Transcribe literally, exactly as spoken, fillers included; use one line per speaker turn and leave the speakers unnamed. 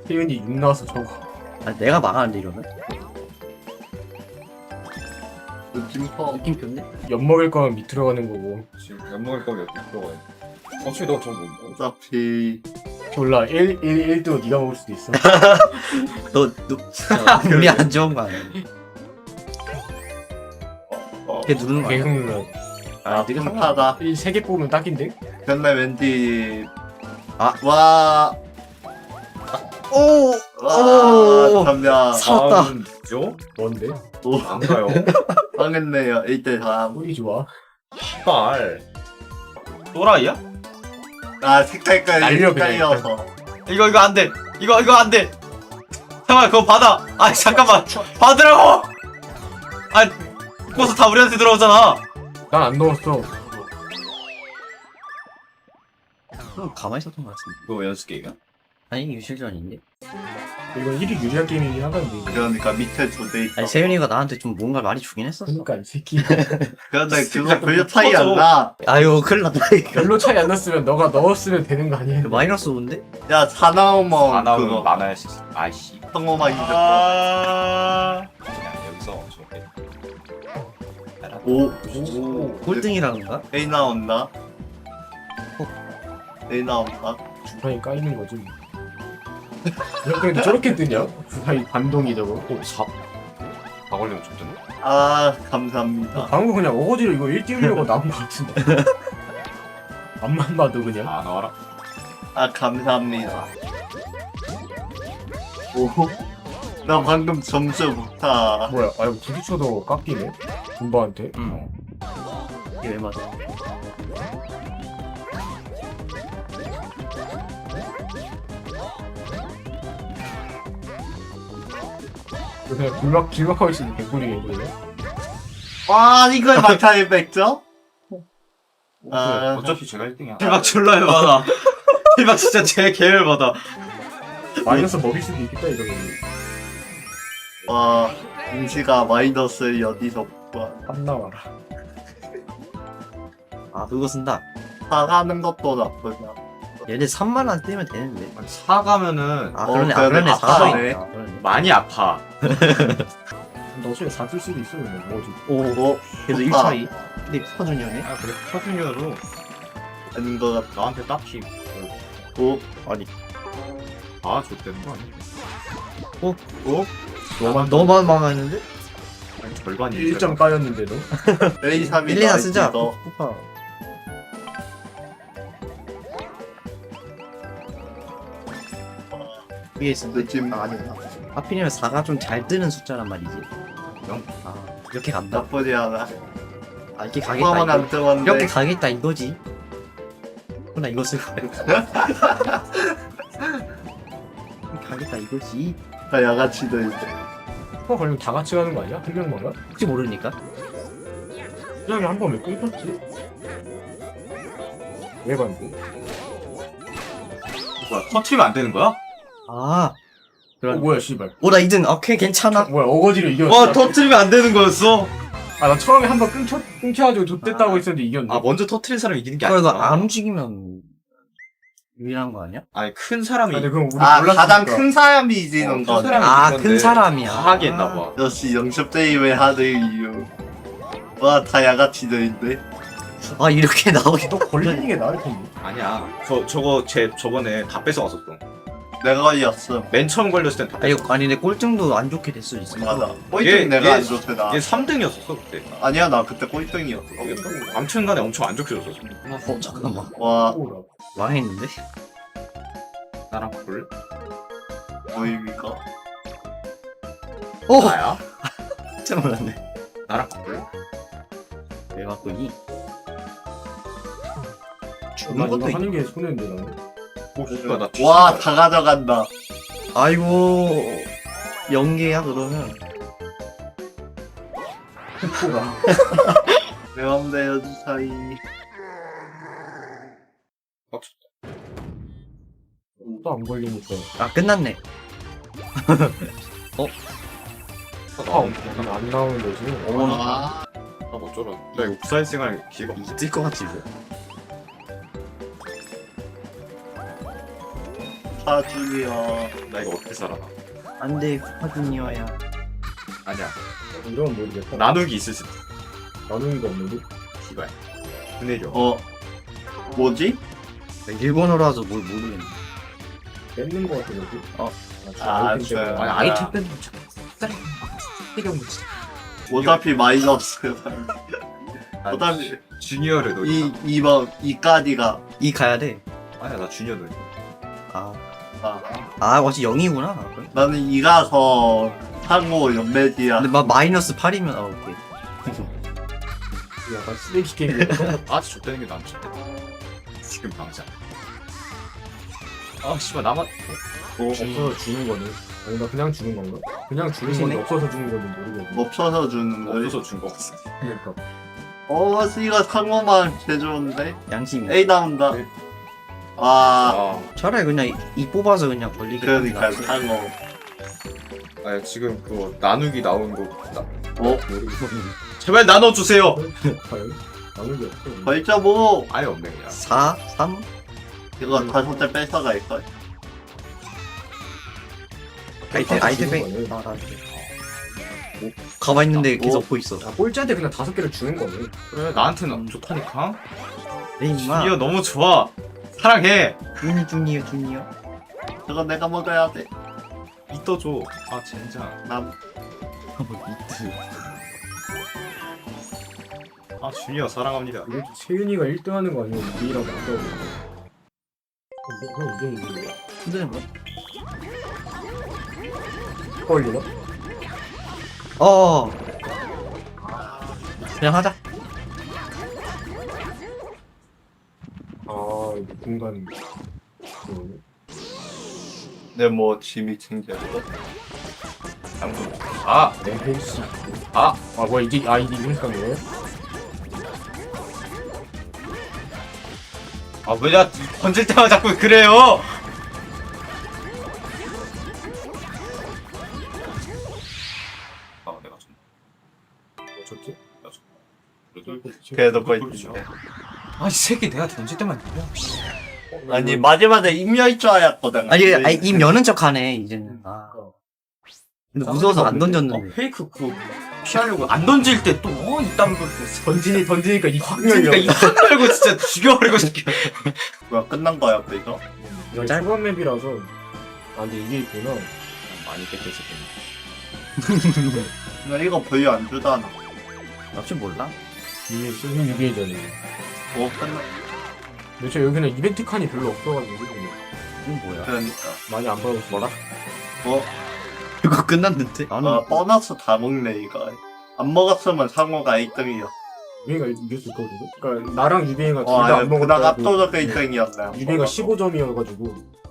태윤이 육 나와서 저거.
아 내가 망하는데 이러면?
느낌파.
느낌표인데?
엿 먹을 거면 밑으로 가는 거고.
지금 약 먹을 거면 여기 들어가야 돼. 어차피 너 저거 뭐
어차피
졸라 일, 일, 일도 네가 먹을 수도 있어.
너, 너 진짜 운이 안 좋은 거 아니야?
어,
걔 누르는 거 아니야?
계속 눌러.
아 느낌파다.
세개 뽑으면 딱인데?
근데 왠지
아.
와.
오!
와
오!
담야.
살았다.
죠?
뭔데?
오
안 가요.
망했네요. 일 대 삼.
꿀이 좋아.
씨발. 또라이야?
아 색깔까지
날려, 그냥
헷갈려서.
이거 이거 안 돼. 이거 이거 안 돼. 잠깐 그거 받아. 아 잠깐만. 받으라고. 아 버스 다 우리한테 들어오잖아.
난 안 넣었어.
그럼 가만히 있었던 거 같은데.
그거 연습 게임이야?
아니 유실전인데?
이건 일이 유리한 게임이긴 하던데.
그러니까 밑에 두대 있어.
아니 세윤이가 나한테 좀 뭔가 많이 주긴 했었어.
그러니까 이 새끼.
그런데
진짜
그거 별로 차이
터져.
안 나.
아유 큰일 났다 이거.
별로 차이 안 났으면 너가 넣었으면 되는 거 아니야?
마이너스 오인데?
야 사나우먼
안 하면
그거
많아야지. 아이씨.
성호만 이겼어.
아. 그냥 여기서 저렇게.
오.
오.
꼴등이라는 건가?
A 나온다. A 나온다.
주사위 까이는 거지. 뭐. 근데 저렇게 뜨냐? 주사위 반동이 저거.
오, 삽. 다 걸리면 좋던데?
아 감사합니다.
방금 그냥 어거지로 이거 일 띄우려고 나온 거 같은데. 앞만 봐도 그냥.
아, 나와라.
아 감사합니다. 오. 나 방금 점수 못타.
뭐야? 아 이거 부딪혀도 깎이네. 군바한테.
응. 이게 왜 맞아?
그냥 길막 길막하고 있으면 개꿀이겠네.
와 이걸 막타일 백 점? 아
어차피 제가 일 등이야.
대박 졸라 열받아. 대박 진짜 제 계열 받아.
마이너스 먹일 수도 있겠다 이러면.
와 임시가 마이너스를 어디서 봐.
안 나와라.
아 그거 쓴다.
사가는 것도 나쁘냐.
얘네 삼만 원 뜨면 되는데.
사가면은
아
어,
그러네. 아
그러네.
그러네.
아파하네.
사가 있다. 그러네.
많이 아파.
너 어차피 사줄 수도 있어 그냥 뭐지?
오.
오
그래도 일
좋다.
차이. 근데 퍼준이네.
아, 그래. 터중이어도
아닌 것 같아.
나한테 딱히
오
아니.
아, 좋다는 거 아니야?
오.
오?
너만
너만 망했는데?
아니, 절반이.
일 점 까였는데도.
A 삼이
일, 이나 쓰자.
너
쿠파. 위에 있어.
느낌
아 아니구나. 하필이면 사가 좀 잘 뜨는 숫자란 말이지.
영?
아 이렇게 간다.
나쁘지 않아.
아 이렇게 가겠다.
포함은
이거.
안 뜨었는데.
이렇게 가겠다 이거지. 나 이거 쓸 거야. 가겠다 이거지.
다 야가치도 이제.
어 걸리면 다 같이 가는 거 아니야? 한 명만 가?
혹시 모르니까.
수장이 한 번 왜 끊겼지? 왜 반대?
뭐야, 터트리면 안 되는 거야?
아.
어
그런.
뭐야 씨발.
오나 이 등. 오케이 괜찮아.
뭐야 어거지로 이겼어.
와 터트리면 안 되는 거였어.
아나 처음에 한 번 끊겨 끊겨가지고 좆됐다고 했었는데 이겼네.
아 먼저 터트린 사람이 이기는 게
이거 이거
아니야.
안 움직이면 유일한 거 아니야?
아니 큰 사람이
아니 그럼 우리
아
몰랐으니까.
가장 큰 사람이 이기는
어, 큰
거네.
사람이
아
이건데
큰 사람이야.
과하게 했나 봐.
역시 영첩 게임의 하드 이유. 와 다 야가치들인데.
아 이렇게 나오게.
너 걸리는 게 나을 텐데.
아니야. 저 저거 제 저번에 다 뺏어갔었어.
내가 걸렸어.
맨 처음 걸렸을 땐 다
아
뺏어.
이거 아니 내 꼴등도 안 좋게 됐을 수 있어.
맞아.
얘-
꼴등 내가
얘-
안 좋대 나.
얘 삼 등이었었어 그때.
아니야 나 그때 꼴등이었어.
아무튼간에 엄청 안 좋게 줬었어.
어 잠깐만.
와
오라.
망했는데?
나랑 볼?
뭐입니까?
오!
나야?
진짜 몰랐네.
나랑 볼?
왜 바꾸니?
나
죽는
이거
것도 있...
하는 게 손해인데 나는.
오 씨발 나
와 다 가져간다.
아이고 연계야 그러면.
오라.
내 맘대로 주사위.
또 안 걸리니까.
아 끝났네.
아, 안 나오는 거지.
어머나.
아,
아 어쩌라. 나 이거 부사일생활 기회가 없어.
있을 것 같지 이거.
쿠파 주니어.
나 이거 어떻게 살아나?
안돼 쿠파주니어야.
아니야.
이러면 모르겠다.
나누기 있을 수도.
나누기가 없는데?
이거야. 그네려.
어 뭐지?
일본어라서 뭘 모르겠네.
뺏는 거 같아 여기.
어.
아,
아이템 때문에.
저-
아니,
아니,
아이템 뺏는 거 참. 필요 없는 진짜.
어차피 마이너스.
아,
어차피
주니어를 넣
이 이번 이까지가
이 가야 돼.
아니야 나 주니어 넣
아,
아,
아 어차피 영이구나. 그래?
나는 이가서 상호 연매지야.
근데 막 마이너스 팔이면 아 오케이.
약간 쓰레기 게임이야.
아 줬다는 게 나은 좋다. 지금 당장. 아 씨발 나만.
어,
없어서 주는 거네. 아니 나 그냥 주는 건가? 그냥 주는
그러시네.
건지 없어서 주는 건지 모르겠네.
멈춰서 주는 거지.
없어서 준 거 같아.
그러니까.
어, 이가 상호만 제좋은데
양심이.
A 나온다.
네.
아,
아,
차라리 그냥 이, 이 뽑아서 그냥 걸리게.
그러니까
하는 게 낫지.
상호.
아 지금 그거 나누기 나온 거. 나,
어,
제발 나눠주세요.
과연? 나누기 없어.
벌써 뭐
아예 없네 그냥.
사, 삼.
이거 다섯 대 뺏어갈 걸.
아이템 아이템
주는
백.
거네.
아, 아이템. 오, 가만 있는데 계속 보고 있어.
아 꼴찌한테 그냥 다섯 개를 주는 거네.
그래 나한테는 좋다니까.
에이 마.
주니어 너무 좋아. 사랑해.
주니 주니어 주니어.
저거 내가 먹어야 돼.
이떠 줘. 아 젠장.
남.
미트.
아 주니어 사랑합니다.
이게 세윤이가 일 등 하는 거 아니면 이랑 맞다고. 어, 그럼 이게 이게
근데 뭐?
걸리나?
어. 그냥 하자.
아 이게 공간. 그거네.
내뭐 짐이 챙겨.
당근. 아,
네, 헬스.
아,
아 뭐야 이게 아 이게 이름값 뭐예요?
아 왜 나 던질 때마다 자꾸 그래요?
아 내가 좀.
어쩌지?
그래도 거의.
아이 새끼 내가 던질 때만 그래.
아니 마지막에 임여일 줄 알았거든.
아니 아니 입 여는 척하네 이제는. 아. 근데 무서워서 안
어,
던졌는데.
페이크 그 피하려고 안 던질 때 또 어, 이딴 걸
던지니 던지니까 이 확
그러니까
열려.
이확 열고 진짜 죽여버리고 싶게.
뭐야 끝난 거야 또 이거?
이거
짧-
초반 맵이라서. 아 근데 이게 있구나.
많이 뺏겼을
나 이거 별로 안 주잖아.
혹시 몰라?
이게 쓰는 유비전이.
뭐 끝나?
근데 저 여기는 이벤트 칸이 별로 없어가지고
이건 뭐야?
그러니까.
많이 안 받아서 뭐라?
어,
이거 끝났는데? 안
아
어,
보너스 다 먹네 이거. 안 먹었으면 상호가 일 등이야.
유비가 이겼을 거거든. 그러니까 나랑 유비가 둘
어,
다
아,
안
그나가
먹었다고.
압도적 일 등이었네.
유비가 십오 점이어가지고